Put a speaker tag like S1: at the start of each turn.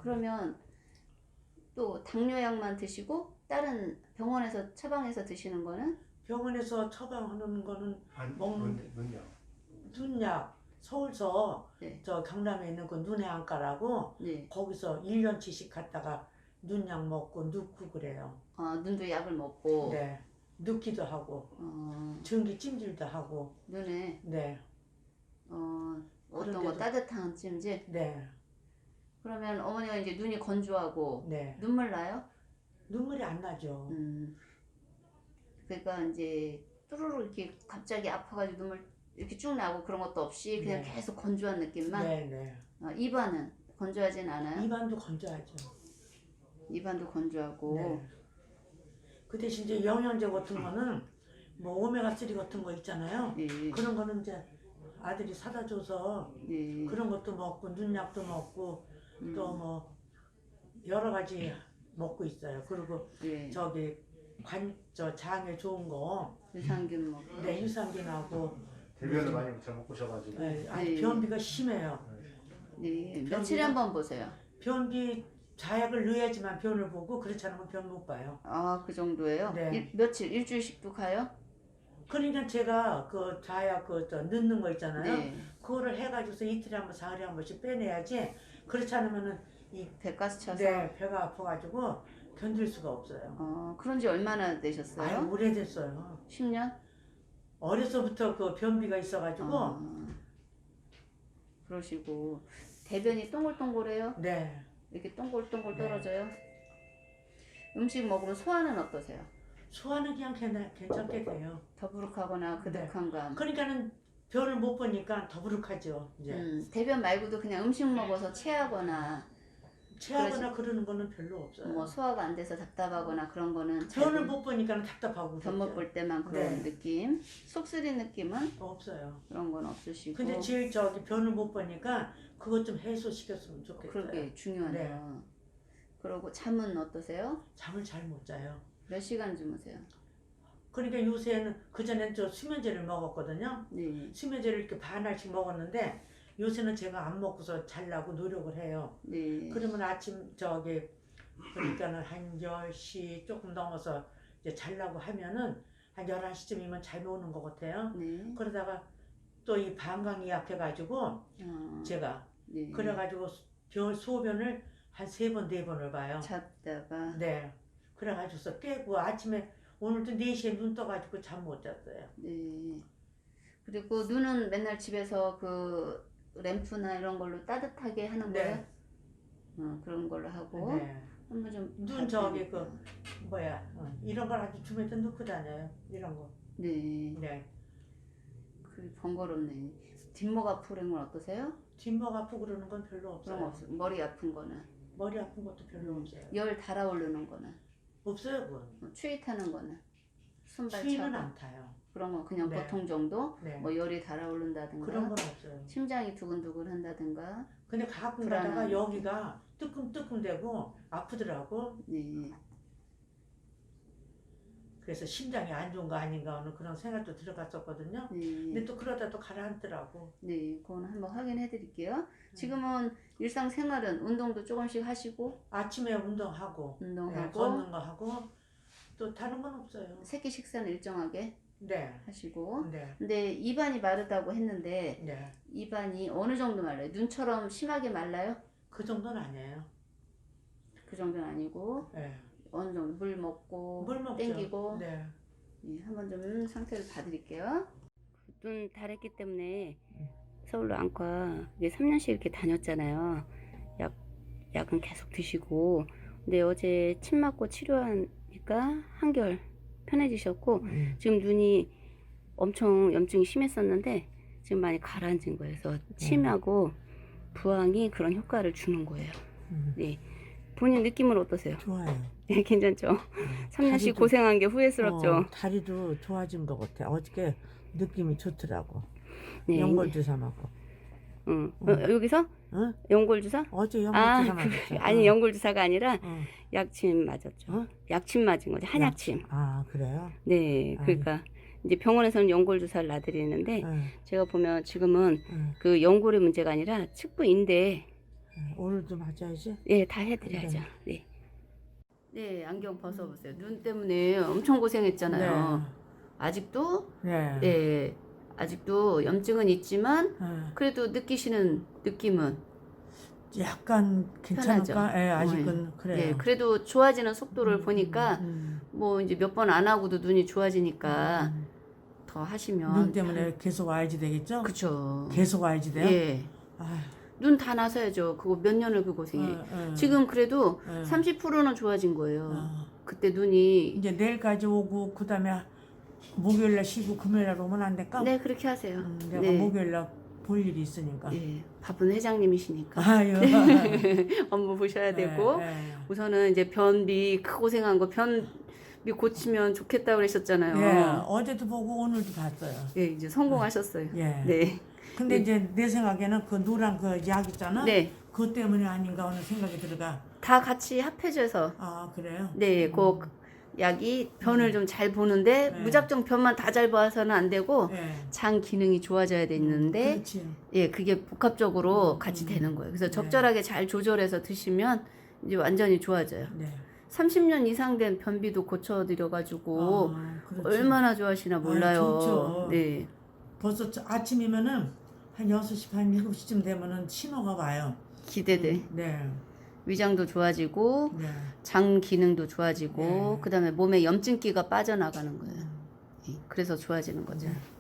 S1: 그러면 또 당뇨약만 드시고 다른 병원에서 처방해서 드시는 거는?
S2: 병원에서 처방하는 거는 먹는
S3: 눈약.
S2: 눈약 서울서
S1: 네.
S2: 저 경남에 있는 그 눈의 안과라고
S1: 네.
S2: 거기서 1년치씩 갔다가 눈약 먹고 눕고 그래요.
S1: 눈도 약을 먹고.
S2: 네. 눕기도 하고
S1: 어,
S2: 전기 찜질도 하고.
S1: 눈에
S2: 네.
S1: 어떤 거
S2: 그런데도-
S1: 따뜻한 찜질?
S2: 네.
S1: 그러면 어머니가 이제 눈이 건조하고
S2: 네.
S1: 눈물 나요?
S2: 눈물이 안 나죠.
S1: 그러니까 이제 뚜루루 이렇게 갑자기 아파가지고 눈물 이렇게 쭉 나고 그런 것도 없이 그냥
S2: 네.
S1: 계속 건조한 느낌만?
S2: 네네.
S1: 입안은 건조하진 않아요?
S2: 입안도 건조하죠.
S1: 입안도 건조하고.
S2: 네. 그 대신 이제 영양제 같은 거는 뭐 오메가3 같은 거 있잖아요.
S1: 네.
S2: 그런 거는 이제 아들이 사다 줘서
S1: 네.
S2: 그런 것도 먹고 눈약도 먹고 또 뭐 여러 가지 먹고 있어요. 그리고
S1: 네.
S2: 저기 저 장에 좋은 거,
S1: 유산균 먹고.
S2: 네, 유산균하고
S3: 대변을 많이 잘못 보셔가지고.
S2: 네, 아니
S1: 네.
S2: 변비가 심해요.
S1: 네. 며칠에 한 번 보세요.
S2: 변비 자약을 넣어야지만 변을 보고 그렇지 않으면 변 못 봐요.
S1: 그 정도예요?
S2: 네.
S1: 며칠, 일주일씩도 가요?
S2: 그러니까 제가 그 자약 저 넣는 거 있잖아요.
S1: 네.
S2: 그거를 해가지고서 이틀에 한 번, 사흘에 한 번씩 빼내야지. 그렇지 않으면은 이
S1: 배가스 차서?
S2: 네, 배가 아파가지고 견딜 수가 없어요.
S1: 그런 지 얼마나 되셨어요?
S2: 아유, 오래됐어요.
S1: 10년?
S2: 어려서부터 그 변비가 있어가지고.
S1: 그러시고 대변이 동글동글해요?
S2: 네.
S1: 이렇게 동글동글
S2: 네.
S1: 떨어져요? 음식 먹으면 소화는 어떠세요?
S2: 소화는 그냥 괜찮게 돼요.
S1: 더부룩하거나 그득한 감?
S2: 그러니까는 변을 못 보니까 더부룩하죠. 이제
S1: 대변 말고도 그냥 음식 먹어서 체하거나
S2: 체하거나 그러는 거는 별로 없어요.
S1: 뭐 소화가 안 돼서 답답하거나 그런 거는
S2: 변을 못 보니까 답답하고
S1: 변 못 볼 때만 그런
S2: 네.
S1: 느낌? 속 쓰린 느낌은
S2: 없어요.
S1: 그런 건 없으시고.
S2: 근데 제일 저기 변을 못 보니까 그것 좀 해소시켰으면 좋겠어요.
S1: 그러게 중요하네요. 그러고 잠은 어떠세요?
S2: 잠을 잘 못 자요.
S1: 몇 시간 주무세요?
S2: 그러니까 요새는 그전엔 저 수면제를 먹었거든요.
S1: 네.
S2: 수면제를 이렇게 반알씩 먹었는데 요새는 제가 안 먹고서 자려고 노력을 해요.
S1: 네.
S2: 그러면 아침 저기 그러니까는 한 10시 조금 넘어서 이제 자려고 하면은 한 11시쯤이면 잠이 오는 것 같아요.
S1: 네.
S2: 그러다가 또 이 방광이 약해가지고 제가
S1: 네.
S2: 그래가지고 소변을 한 3번, 4번을 봐요.
S1: 잤다가.
S2: 네. 그래가지고서 깨고 아침에 오늘도 4시에 눈 떠가지고 잠 못 잤어요.
S1: 네. 그리고 눈은 맨날 집에서 그 램프나 이런 걸로 따뜻하게 하는
S2: 네.
S1: 거예요? 그런 걸로 하고.
S2: 네.
S1: 한번 좀.
S2: 눈 저기 이런 걸 아주 주머니에 넣고 다녀요. 이런 거.
S1: 네.
S2: 네.
S1: 그 번거롭네. 뒷목 아프는 건 어떠세요?
S2: 뒷목 아프고 그러는 건 별로 없어요.
S1: 그런 거 없어요. 머리 아픈 거는.
S2: 머리 아픈 것도 별로 없어요.
S1: 열 달아오르는 거는.
S2: 없어요, 그건.
S1: 추위 타는 거는. 순발
S2: 추위는
S1: 차고.
S2: 안 타요.
S1: 그런 거 그냥
S2: 네.
S1: 보통 정도.
S2: 네.
S1: 뭐 열이 달아오른다든가.
S2: 그런 건 없어요.
S1: 심장이 두근두근 한다든가.
S2: 근데 가끔
S1: 불안한
S2: 가다가 여기가 뜨끔뜨끔대고 아프더라고.
S1: 네.
S2: 그래서 심장이 안 좋은 거 아닌가 하는 그런 생각도 들어갔었거든요.
S1: 네.
S2: 근데 또 그러다 또 가라앉더라고.
S1: 네, 그건 한번 확인해 드릴게요. 지금은 일상생활은 운동도 조금씩 하시고,
S2: 아침에 운동하고,
S1: 운동하고,
S2: 걷는 거 하고, 또 다른 건 없어요.
S1: 새끼 식사는 일정하게
S2: 네.
S1: 하시고.
S2: 네.
S1: 근데 입안이 마르다고 했는데,
S2: 네.
S1: 입안이 어느 정도 말라요? 눈처럼 심하게 말라요?
S2: 그 정도는 아니에요.
S1: 그 정도는 아니고,
S2: 네.
S1: 어느 정도 물 먹고,
S2: 물 먹죠.
S1: 땡기고.
S2: 네.
S1: 네, 한번 좀 상태를 봐드릴게요. 눈 다랬기 때문에 서울로 안과 3년씩 이렇게 다녔잖아요. 약은 계속 드시고. 근데 어제 침 맞고 치료하니까 한결 편해지셨고, 지금 눈이 엄청 염증이 심했었는데 지금 많이 가라앉은 거예요. 그래서 침하고 부항이 그런 효과를 주는 거예요. 네. 본인 느낌은 어떠세요?
S2: 좋아요.
S1: 네, 괜찮죠? 3년씩
S2: 다리도-
S1: 고생한 게 후회스럽죠?
S2: 다리도 좋아진 것 같아. 어저께 느낌이 좋더라고.
S1: 네.
S2: 연골주사 맞고.
S1: 여기서?
S2: 응?
S1: 연골주사?
S2: 어제 연골주사 맞았어.
S1: 아니, 연골주사가 아니라
S2: 어.
S1: 약침 맞았죠.
S2: 어?
S1: 약침 맞은 거죠. 한약침.
S2: 아, 그래요?
S1: 네, 그러니까 이제 병원에서는 연골주사를 놔드리는데
S2: 응.
S1: 제가 보면 지금은
S2: 응.
S1: 그 연골의 문제가 아니라 측부인대
S2: 오늘도 맞아야지.
S1: 예, 다 해드려야죠. 네. 네, 안경 벗어보세요. 눈 때문에 엄청 고생했잖아요. 아직도
S2: 네.
S1: 네, 아직도 염증은 있지만
S2: 네.
S1: 그래도 느끼시는 느낌은
S2: 약간 괜찮을까?
S1: 편하죠.
S2: 예, 아직은 그래요.
S1: 예, 그래도 좋아지는 속도를 보니까 뭐 이제 몇 번 안 하고도 눈이 좋아지니까 더 하시면
S2: 눈 때문에 계속 와야지 되겠죠?
S1: 그쵸.
S2: 계속 와야지 돼요?
S1: 예.
S2: 아휴,
S1: 눈 다 나서야죠. 그거 몇 년을 그 고생해.
S2: 예.
S1: 지금 그래도
S2: 예.
S1: 30%는 좋아진 거예요.
S2: 어.
S1: 그때 눈이
S2: 이제 내일까지 오고 그다음에 목요일날 쉬고 금요일날 오면 안 될까?
S1: 네, 그렇게 하세요.
S2: 내가
S1: 네.
S2: 목요일날 볼 일이 있으니까.
S1: 예, 바쁜 회장님이시니까
S2: 아유.
S1: 업무 보셔야 되고
S2: 예.
S1: 우선은 이제 변비 크 고생한 거 변비 고치면 좋겠다 그러셨잖아요.
S2: 예. 어제도 보고 오늘도 봤어요.
S1: 예, 이제 성공하셨어요.
S2: 예.
S1: 네.
S2: 근데 이제 내 생각에는 그 노란 그 약 있잖아.
S1: 네.
S2: 그것 때문에 아닌가 하는 생각이 들어가.
S1: 다 같이 합해져서
S2: 아 그래요?
S1: 네, 그 약이 변을 좀 잘 보는데
S2: 네.
S1: 무작정 변만 다 잘 봐서는 안 되고
S2: 예.
S1: 장 기능이 좋아져야 되는데
S2: 그렇지.
S1: 예, 그게 복합적으로 같이 되는 거예요. 그래서 적절하게 잘 조절해서 드시면 이제 완전히 좋아져요.
S2: 네.
S1: 30년 이상 된 변비도 고쳐드려가지고
S2: 그렇지.
S1: 얼마나 좋아하시나 몰라요.
S2: 좋죠.
S1: 네,
S2: 벌써 아침이면은 한 6시 반 7시쯤 되면은 신호가 와요.
S1: 기대돼.
S2: 네.
S1: 위장도 좋아지고
S2: 네.
S1: 장 기능도 좋아지고
S2: 네.
S1: 그다음에 몸에 염증기가 빠져나가는 거예요. 예, 그래서 좋아지는 거죠.
S2: 네.